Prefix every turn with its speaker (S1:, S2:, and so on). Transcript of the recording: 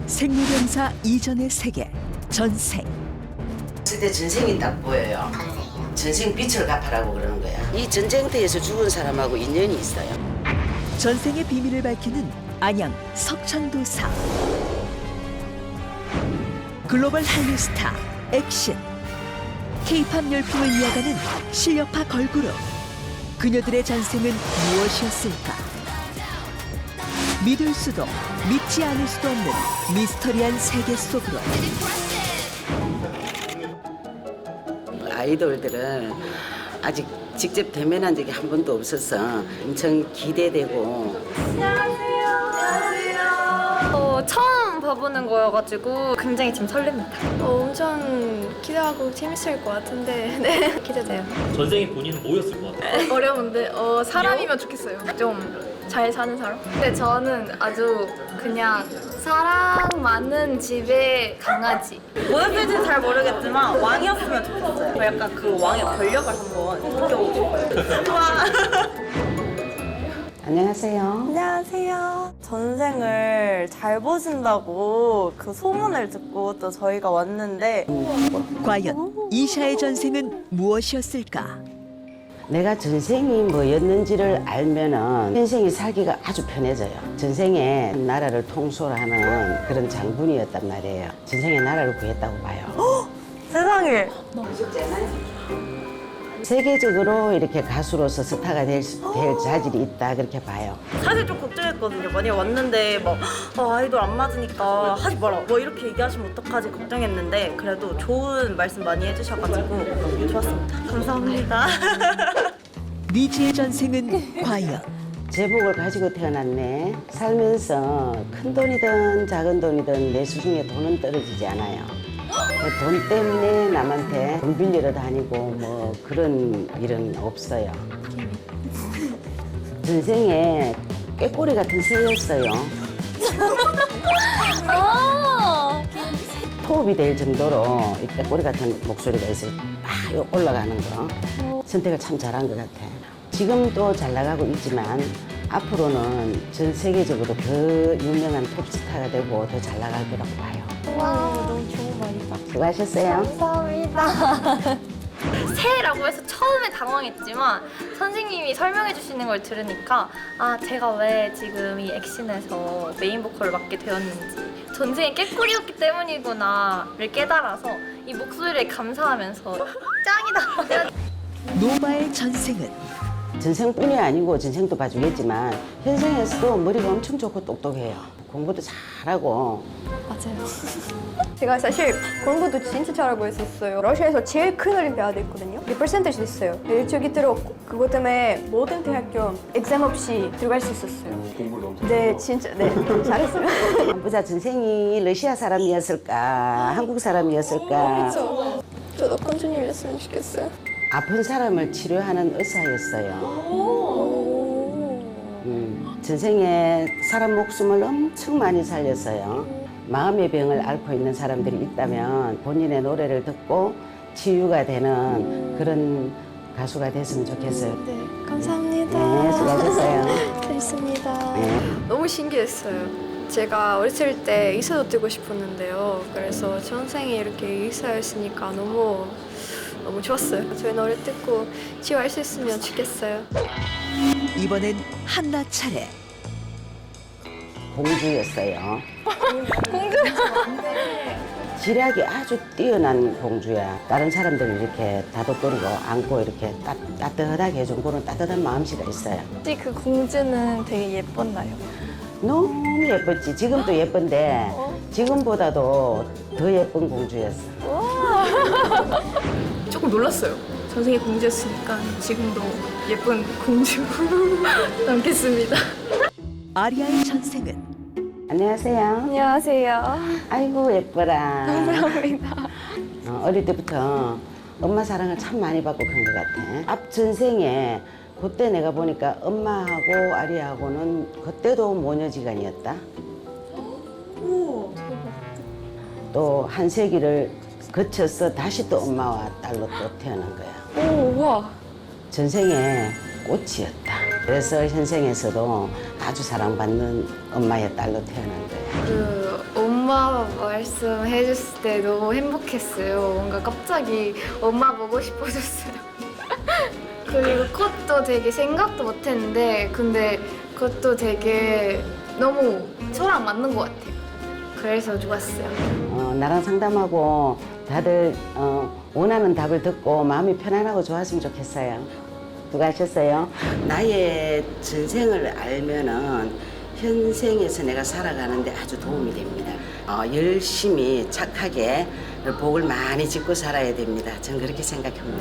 S1: 생로병사 이전의 세계, 전생.
S2: 그때 전생이 딱 보여요. 전생 빛을 갚아라고 그러는 거야. 이 전쟁터에서 죽은 사람하고 인연이 있어요.
S1: 전생의 비밀을 밝히는 안양 석천도사. 글로벌 한류 스타 액션. K-팝 열풍을 이어가는 실력파 걸그룹. 그녀들의 전생은 무엇이었을까? 믿을 수도 믿지 않을 수도 없는 미스터리한 세계 속으로.
S2: 아이돌들은 아직 직접 대면한 적이 한 번도 없어서 엄청 기대되고.
S3: 처음 봐보는 거여가지고 굉장히 지금 설렙니다. 엄청 기대하고 재밌을 것 같은데 네 기대돼요.
S4: 전생에 본인은 뭐였을 것 같아요?
S3: 어려운데 사람이면 좋겠어요. 좀 잘 사는 사람? 근데 저는 아주 그냥 사랑 많은 집의 강아지.
S5: 뭐였을지는 잘 모르겠지만 왕이었으면 좋겠어요. 저 약간 그 왕의 권력을 한번 느껴보고 싶어요. 좋아.
S2: 안녕하세요.
S5: 안녕하세요. 전생을 잘 보신다고 그 소문을 듣고 또 저희가 왔는데
S1: 과연 이샤의 전생은 무엇이었을까?
S2: 내가 전생이 뭐였는지를 알면은 현생이 살기가 아주 편해져요. 전생에 나라를 통솔하는 그런 장군이었단 말이에요. 전생에 나라를 구했다고 봐요.
S5: 세상에
S2: 세계적으로 이렇게 가수로서 스타가 될 자질이 있다 그렇게 봐요.
S5: 사실 좀 걱정했거든요. 만약에 왔는데 막 아이돌 안 맞으니까 하지 마라 뭐 이렇게 얘기하시면 어떡하지 걱정했는데 그래도 좋은 말씀 많이 해주셔가지고 좋았습니다. 감사합니다.
S1: 리지의 전생은 과연?
S2: 제복을 가지고 태어났네. 살면서 큰 돈이든 작은 돈이든 내 수중에 돈은 떨어지지 않아요. 돈 때문에 남한테 돈 빌리러 다니고 뭐 그런 일은 없어요. 전생에 꾀꼬리 같은 새였어요. 토업이 될 정도로 이 꾀꼬리 같은 목소리가 있어요. 막 올라가는 거. 선택을 참 잘한 것 같아. 지금도 잘 나가고 있지만 앞으로는 전 세계적으로 더 유명한 톱스타가 되고 더 잘 나갈 거라고 봐요.
S3: 너무 좋은 말이다.
S2: 수고하셨어요.
S3: 감사합니다. 새해라고 해서 처음에 당황했지만 선생님이 설명해 주시는 걸 들으니까 아 제가 왜 지금 이 액션에서 메인 보컬을 맡게 되었는지 전생에 깨꼬리였기 때문이구나를 깨달아서 이 목소리에 감사하면서 짱이다.
S1: 노바의 전생은?
S2: 전생뿐이 아니고 전생도 봐주겠지만 현생에서도 머리가 엄청 좋고 똑똑해요. 공부도 잘하고.
S3: 맞아요.
S6: 제가 사실 공부도 진짜 잘하고 있었어요. 러시아에서 제일 큰 올림피아드 있거든요. 리퍼센테이지도 있어요. 일주기 들었고 그것 때문에 모든 대학교 엑셈 없이 들어갈 수 있었어요. 공부를 엄청 네, 진짜 네 잘했어요.
S2: 보자 전생이 러시아 사람이었을까 한국 사람이었을까.
S6: 저도 컨티뉴했으면 좋겠어요.
S2: 아픈 사람을 치료하는 의사였어요. 전생에 사람 목숨을 엄청 많이 살렸어요. 마음의 병을 앓고 있는 사람들이 있다면 본인의 노래를 듣고 치유가 되는 그런 가수가 됐으면 좋겠어요.
S3: 네, 감사합니다.
S2: 네, 수고하셨어요.
S3: 됐습니다.
S2: 네.
S3: 너무 신기했어요. 제가 어렸을 때 의사도 되고 싶었는데요. 그래서 전생에 이렇게 의사였으니까 너무 좋았어요. 저희 노래 듣고 치유할 수 있으면 좋겠어요.
S1: 이번엔 한나 차례.
S2: 공주였어요. 지략이 아주 뛰어난 공주야. 다른 사람들을 이렇게 다독거리고 안고 이렇게 따뜻하게 해준 그런 따뜻한 마음씨가 있어요.
S3: 혹시 그 공주는 되게 예뻤나요?
S2: 너무 예뻤지. 지금도 예쁜데 지금보다도 더 예쁜 공주였어.
S3: 조금 놀랐어요. 전생에 공주였으니까 지금도 예쁜 공주 남겠습니다.
S1: 아리아의 전생은?
S2: 안녕하세요.
S3: 안녕하세요.
S2: 아이고 예뻐라.
S3: 감사합니다.
S2: 어릴 때부터 엄마 사랑을 참 많이 받고 그런 것 같아. 앞 전생에 그때 내가 보니까 엄마하고 아리하고는 그때도 모녀지간이었다. 또 한 세기를 거쳐서 다시 또 엄마와 딸로 또 태어난 거야.
S3: 오, 우와.
S2: 전생에 꽃이었다. 그래서 현생에서도 아주 사랑받는 엄마의 딸로 태어난 거야.
S3: 그 엄마
S7: 엄마 말씀해줬을 때 너무 행복했어요. 뭔가 갑자기 엄마 보고 싶어졌어요. 그리고 컷도 되게 생각도 못했는데 근데 그것도 되게 너무 저랑 맞는 것 같아요. 그래서 좋았어요.
S2: 나랑 상담하고 다들 원하는 답을 듣고 마음이 편안하고 좋았으면 좋겠어요. 수고하셨어요. 나의 전생을 알면은 현생에서 내가 살아가는데 아주 도움이 됩니다. 열심히 착하게 복을 많이 짓고 살아야 됩니다. 전 그렇게 생각합니다.